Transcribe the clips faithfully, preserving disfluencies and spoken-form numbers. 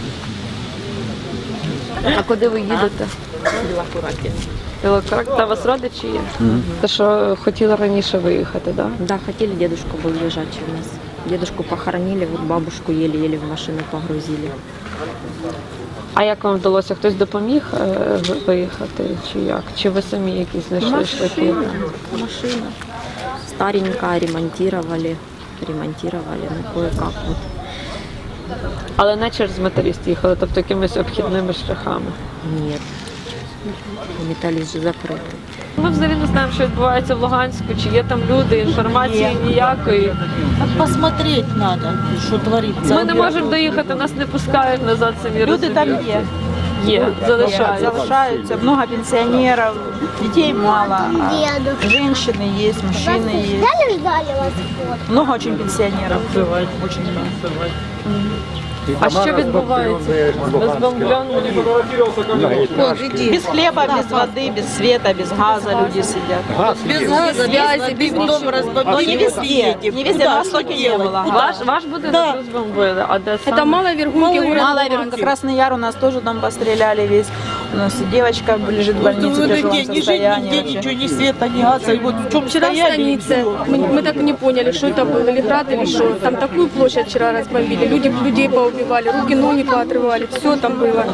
А куди ви їдете? Білокураті. Білокурак, та у вас родичі є? Mm-hmm. Те, що хотіли раніше виїхати, так? Да? Да, хотели, дедушка был лежачий у нас. Дедушку похоронили, вот бабушку еле-еле в машину погрузили. А як вам вдалося? Хтось допоміг е, виїхати чи як? Чи ви самі якісь знайшли шляхи? Машина. Старенькая, ремонтировали. Ремонтировали, ну кое-как вот. Але не через металіст їхали, тобто якимись обхідними шляхами? Нет. Металлист же закрытый. Ми взагалі не знаємо, що відбувається в Луганську, чи є там люди, інформації ніякої. Посмотреть надо, що твориться. Ми не можемо доїхати, нас не пускають назад, самі Люди там є. Є, залишаються. Залишаються, много пенсионеров, детей мало, а женщины есть, мужчины есть. Много очень пенсионеров. Очень много. А що відбувається? Розбомблені? Без хлеба, без воды, без света, без газа люди сидят. Без газа, связи, без дом Но разбомбили. не везде, не везде, на востоке не было. Ваш, ваш будинок розбомбили, а де саме? Это малая верхунки города Мало, Красный Яр у нас тоже дом постреляли весь. У нас и девочка лежит в больнице в тяжелом состоянии. ничего, ни света, ни газа. И вот в чем вчера в станице, мы, мы так и не поняли, что это было, или град, или что. Там такую площадь вчера разбомбили, люди, людей поубивали, руки, ноги поотрывали, все там было.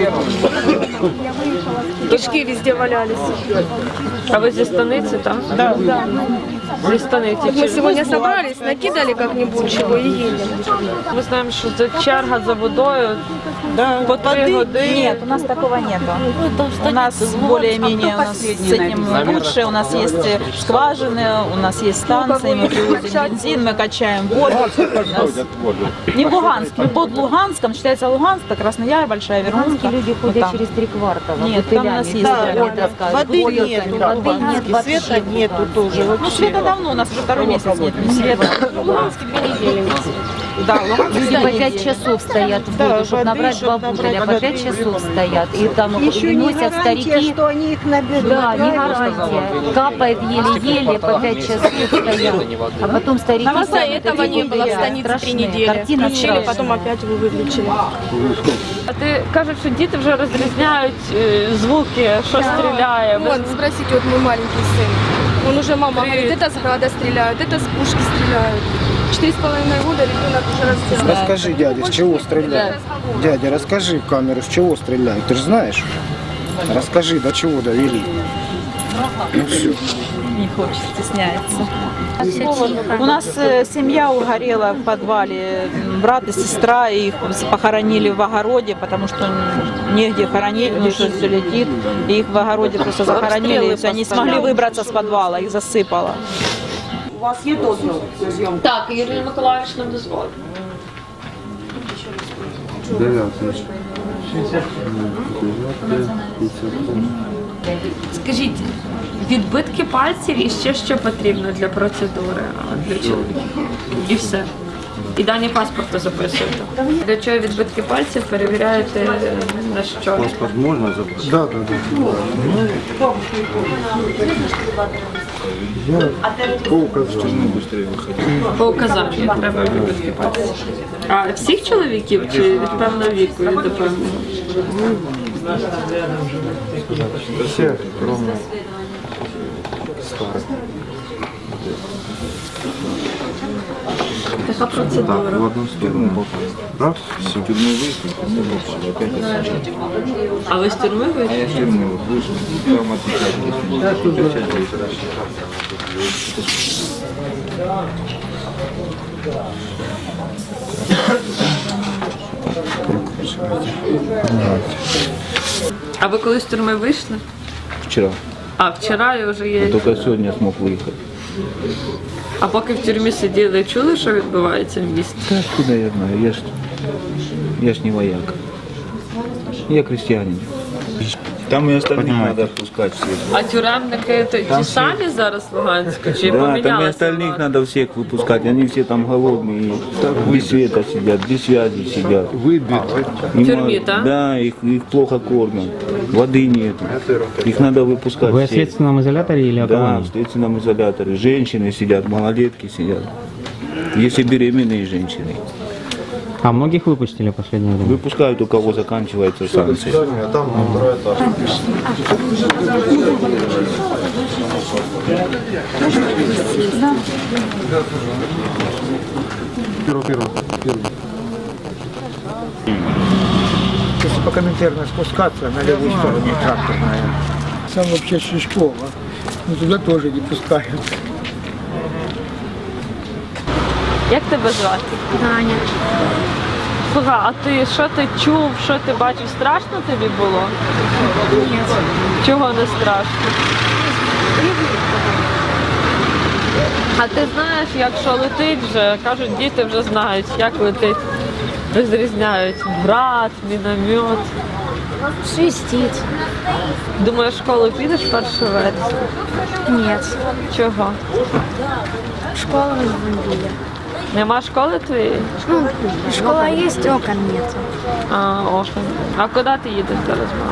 Кишки везде валялись. А ви зі станиці, так? Да, да. Зі станиці. Вот мы Чи- сегодня собрались, накидали как-нибудь чего и едем. Ми знаємо, що це черга за водою по три години. Нет, у нас такого нету. У нас более-менее у нас с этим лучше. У нас есть скважины, у нас есть станции, мы привозим бензин, мы качаем воду. У нас не в Луганске, мы под Луганском, считается Луганск, это Красный Яр, Большая Верхунка. Люди Вот ходят там. через три квартала. Нет, там у нас есть. Да, да. воды нету, воды нет, света нету тоже. Ну, света давно, у нас уже второй месяц нет ни света. Да, в Луганске Люди по пять часов стоят в воду, чтобы набрать два бутыля, по пять часов стоят. И там носят старики. что они их наберут. Да, не гарантия. Капает еле-еле, по пять часов стоят. А потом старики... До этого не было в станице три недели. Картина Включили, страшная. потом опять вы выключили. А ти кажуть, що діти вже розрізняють е, звуки, що стріляє. Вон, спросите, вот мой маленький сын. Он уже, мама говорит, это с града стреляют, это с пушки стреляют. Четыре с половиной года ребенок уже разбирает. Расскажи, дядя, с чего стреляют? Дядя, расскажи в камеру, с чего стреляют. Ты же знаешь? Расскажи, до чего довели. Ну все. Не хочет, стесняется. У нас э, семья угорела в подвале. Брат и сестра, их похоронили в огороде, потому что негде хоронить, потому что все летит. И их в огороде просто захоронили, и все, они не смогли выбраться с подвала, их засыпало. У вас є дозвіл на зйомку? Так, Ірина Миколаївич нам дозволить. Скажіть, відбитки пальців і ще що потрібно для процедури, а, для чоловіків? І все. І дані паспорту записуєте. Для чого відбитки пальців перевіряєте на що? Паспорт можно забрать? Да, да, да. Я по указанию быстрее выходил. По указанню треба відбитки пальців. А всіх чоловіків чи від певного віку і до певного? Все, кроме старых. Така процедура. В одну сторону. Раз, все. Тюрьму вышли, попали, опять А ви з тюрми А вийшли? я в тюрьму вышел, там отвечать. А ви коли з тюрми вийшли? Вчера. А, вчора і вже є. Только сегодня смог выехать. А поки в тюрмі сиділи, чули, що відбувається в місті? Да откуда я знаю? Я ж, я ж не вояк. Я крестьянин. Там и остальных надо пускать всех. А тюремники то ті самі зараз в Луганську? Чи Да, там и помінялися? остальных влада? надо всех выпускать. Они все там голодные, без света сидят, без связи сидят. Выбиты. В тюрьме, да? Да, их, их плохо кормят. Воды нет. Их надо выпускать. Вы в всех. следственном изоляторе или о Да, колонии? в следственном изоляторе. Женщины сидят, малолетки сидят. Если беременные женщины. А многих выпустили в последнее время? Выпускают, у кого заканчиваются санкции. Если по Коминтерну спускаться, на левую сторону тракторная. Сам вообще Шишкова, но туда тоже не пускают. Як тебе звати? Даня. Слухай, а ти що ти чув, що ти бачив? Страшно тобі було? Ні. Чого не страшно? А ти знаєш, якщо летить вже, кажуть, діти вже знають, як летить. Розрізняють град, міномет. Свистит. Думаєш, в школу підеш першого вересня? Нет. Чого? Школу не бомбили. Нема школи твоєї? Ну, школа есть, окон нет. А, окей. А куди ти їдеш зараз, мама?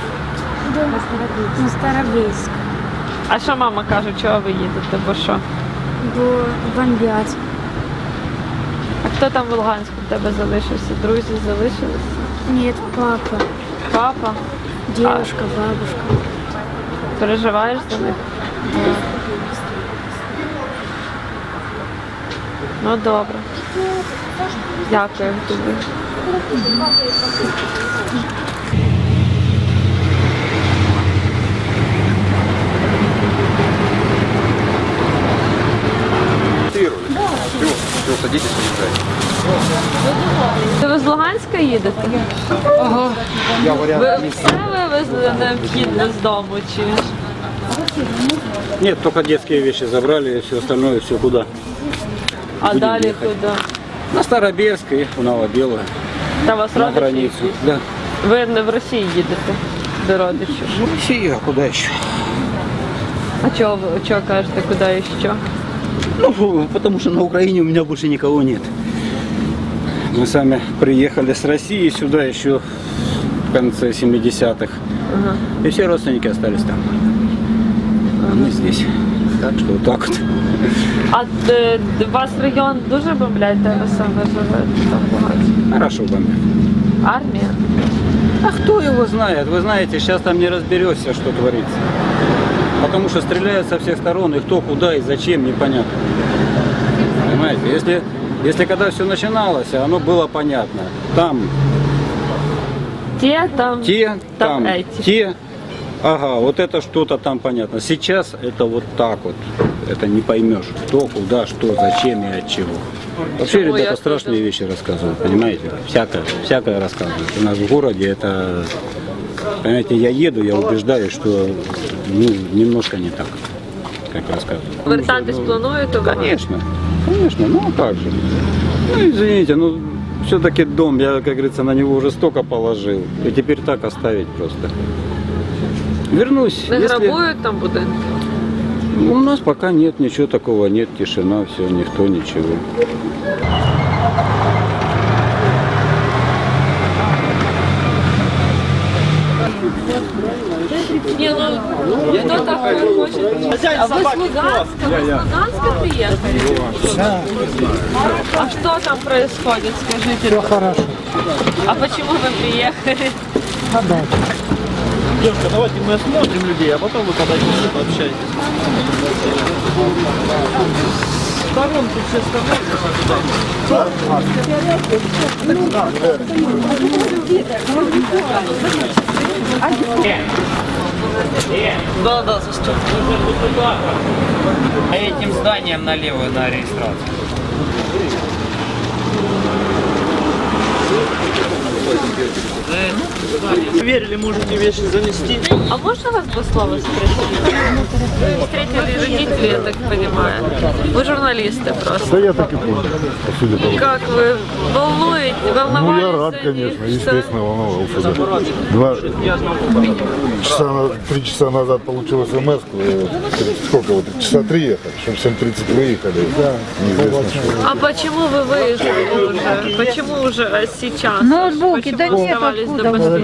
На Старобельск. А що мама каже, чого ви їдете, бо що? Бо бомбят. А хто там в Луганську в тебе залишився? Друзі залишилися? Нет, папа, Папа? девушка, бабушка. Переживаєш за них? Ну добре. Дякую тобі. Це ви з Луганська їдете? Ага. Ви все вивезли необхідне з дому чи? Нет, только детские вещи забрали, и все остальное, все куда? А Будем далі ехать. куди? На Старобельск и в Новобелую, Та вас на родичі? границу. Да. Ви не в Росії їдете до родичів? В Россию, а куда еще? А чого ви чого кажете, куди і що? Ну, потому что на Украине у меня больше никого нет. Мы сами приехали с России сюда еще в конце семидесятых. Ага. И все родственники остались там. А мы здесь. Так что вот так вот. А е, вас район дуже бомблять, де ви саме живете там в Луганську? Хорошо бомбят. Армія? А кто его знает? Вы знаете, сейчас там не разберешься, что творится. Потому что стреляют со всех сторон, и кто, куда и зачем, непонятно. Понимаете? Если, если когда все начиналось, оно было понятно. Там Те, там, те, там там эти. те. Ага, вот это что-то там понятно. Сейчас это вот так вот. Это не поймешь, кто, куда, что, зачем и от чего. Вообще, Почему ребята я страшные тоже? вещи рассказывают, понимаете? Всякое, всякое рассказывают. У нас в городе это, понимаете, я еду, я убеждаюсь, что ну, немножко не так, как рассказывают. Вертатись плануєте? ви? Конечно, конечно, ну а как же. Ну извините, ну все-таки дом, я, как говорится, на него уже столько положил. И теперь так оставить просто. Вернусь. Не если- грабують там будинки? У нас пока нет ничего такого, нет, тишина, все, никто, ничего. Ні, ну хто такой хоче? А ви з Луганська? Ви з Луганська приїхали? А что там происходит, скажите? Все хорошо. А почему вы приехали? Девушка, давайте мы осмотрим людей, а потом вы подойдете, пообщаетесь. Сторонку все Да, да, застёл. А этим зданием налево на регистрацию. Верили, можете вещи занести. А можно вас два слова спросить? Вы встретили родителей, я так понимаю. Вы журналисты просто. Да я так и понял, по сути того. Как вы волнуете, волновались? Ну, я рад, за них, конечно, что- естественно, волновался. Да. Два часа, на- три часа назад получил смс, сколько вот, часа три ехать, чтобы в семь тридцать выехали. Неизвестно, что. А почему вы выехали уже? Почему уже сейчас? Ноутбуки Почему оставались до последнего?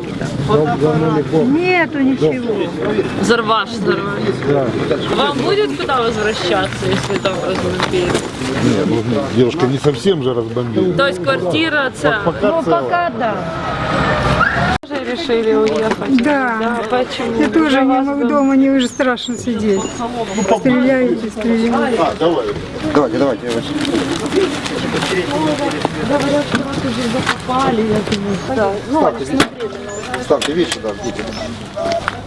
Нету ничего. Взорвашь, взорвали. Вам будет куда возвращаться, если там разбомбили? Не, ну, девушка, не совсем же разбомбили. То есть квартира целая? Пока целая. да. Тоже решили уехать? Да. Почему? Я тоже не могу дома, мне уже страшно сидеть. Стреляют и стреляют. А, давай. Давайте, давайте, я вас. Ставьте вещи, да, будете.